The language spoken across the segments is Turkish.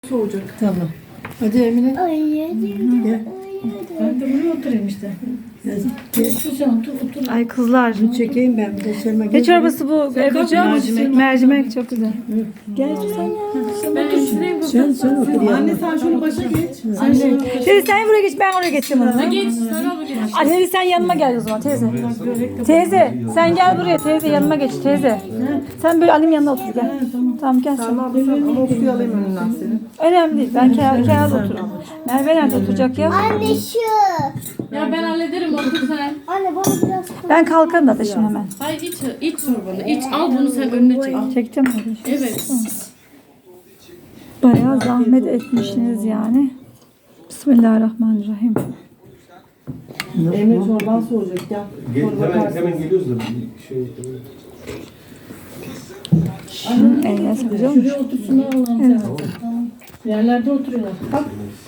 Soğuyacak. Tamam. Hadi Emine. Gel. Ben de buraya oturayım işte. Sen otur. Ay kızlar. Bunu çekeyim ben. Bir de Selma Ne gel. çorbası bu Ebru'cum? Mercimek çok güzel. Gel sen ya. Ben hemşireyim. Sen otur ya. Anne sen şunu başa geç. Teyze sen buraya geç, ben oraya geçeceğim onu. Geç. Sen al geç. Anne sen yanıma gel o zaman teyze. Teyze sen gel buraya teyze, yanıma geç teyze. Sen böyle annemin yanına otur gel. Tamam gel sen. Ama o suyu alayım önünden senin. Önemli değil. Ben kenarda otururum. Merve nerede oturacak ya? Anne şu. Ya ben hallederim otur sen. Anne bana biraz Ben kalkarım da şimdi hemen. Hayır iç sorbanı. İç al bunu sen önüne çek. Al. Çekeceğim mi? Evet. Bayağı zahmet etmişsiniz yani. Bismillahirrahmanirrahim. Emre çorban soğuyacak gel. Hemen geliyoruz da bir şey. Eline sakacağım mı? Şuraya otursun Allah'ım sen. Tamam. Yerlerde oturuyorlar. Bak.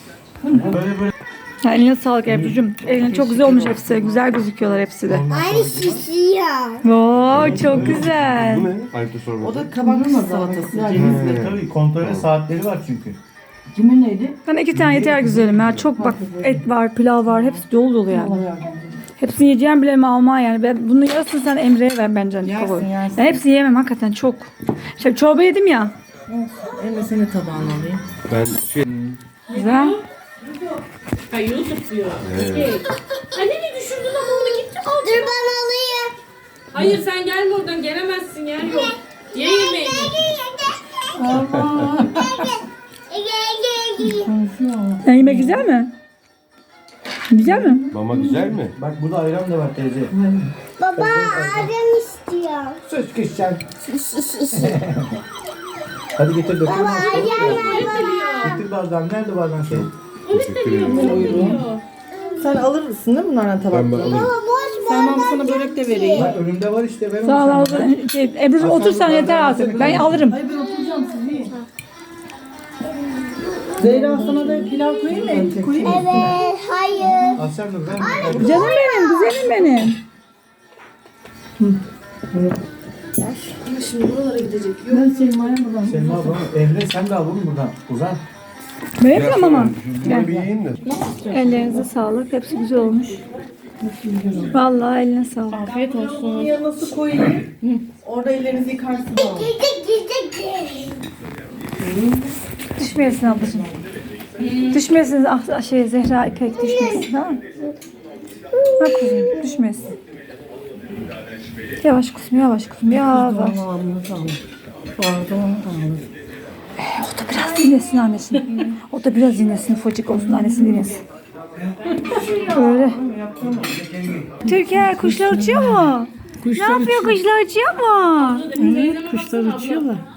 Ya eline sağlık Ebru'cum. Eline çok güzel olmuş hepsi. Güzel gözüküyorlar hepsi de. Aynı şişiyor. Oo çok güzel. Bu ne? Ayıptı sorma. O da kabak salatası. Cevizli. Tabii kontrol saatleri var çünkü. Kimin neydi? Bana 2 tane yeter güzelim ya. Çok bak et var, pilav var. Hepsi dolu dolu yani. Hepsini yiyeceğim bile mi alma yani. Ben bunun yarısını sen Emre'ye ver bence. Yersin, yersin. Ben hepsini yemem hakikaten çok. Şey, çorba yedim ya. Emre senin tabağını alayım. Ben Güzel. Ha YouTube diyor. Okey. Anne ne düşürdün ama onu gitti al. Dur ben alayım. Hayır sen gelme oradan gelemezsin yer yok. Ye yemeğini. Sen yemek güzel mi? Güzel mi? mama güzel mi? Bak burada ayran da var teyze. Baba adam istiyor. Söz geçeceğim. Hadi getir dökün. Baba ayağına Getir bardağını. Nerede bardağın senin? Teşekkür ederim. Sen alırsın değil mi bunlardan tabakları? Ben alayım. Sen bana sana börek de vereyim. Bak önümde var işte. Ben Sağ ol. onu Ebru otur sen yeter artık. Ben alırım. Hayır ben oturacağım siz yiyin. Zehra sana da pilav koyayım mı? Koyayım mı? Evet, hayır. Al sen dur. Ben Canım benim, güzelim benim. Şimdi buralara gidecek. Ben Selma'ya buradan. Selma abla. Emre sen de al bunu buradan. Uzan. Ben yapıyorum ama. Bunu bir yiyin de. Ellerinize sağlık. Hepsi güzel olmuş. Vallahi eline sağlık. Afiyet olsun. Bunun yanına su koyayım. Orada ellerinizi yıkarsınız ama. Düşmeyesin ablacığım. Düşmeyesin şey Zehra İpek düşmeyesin tamam mı? Bak kuzum düşmeyesin. Yavaş kuzum yavaş kuzum yavaş. Tamam tamam. Pardon tamam. O da biraz dinlesin annesini. O da biraz dinlesin ufacık olsun annesini dinlesin. Böyle. Türkiye kuşlar uçuyor mu? Ne yapıyor kuşlar uçuyor mu? Kuşlar uçuyorlar.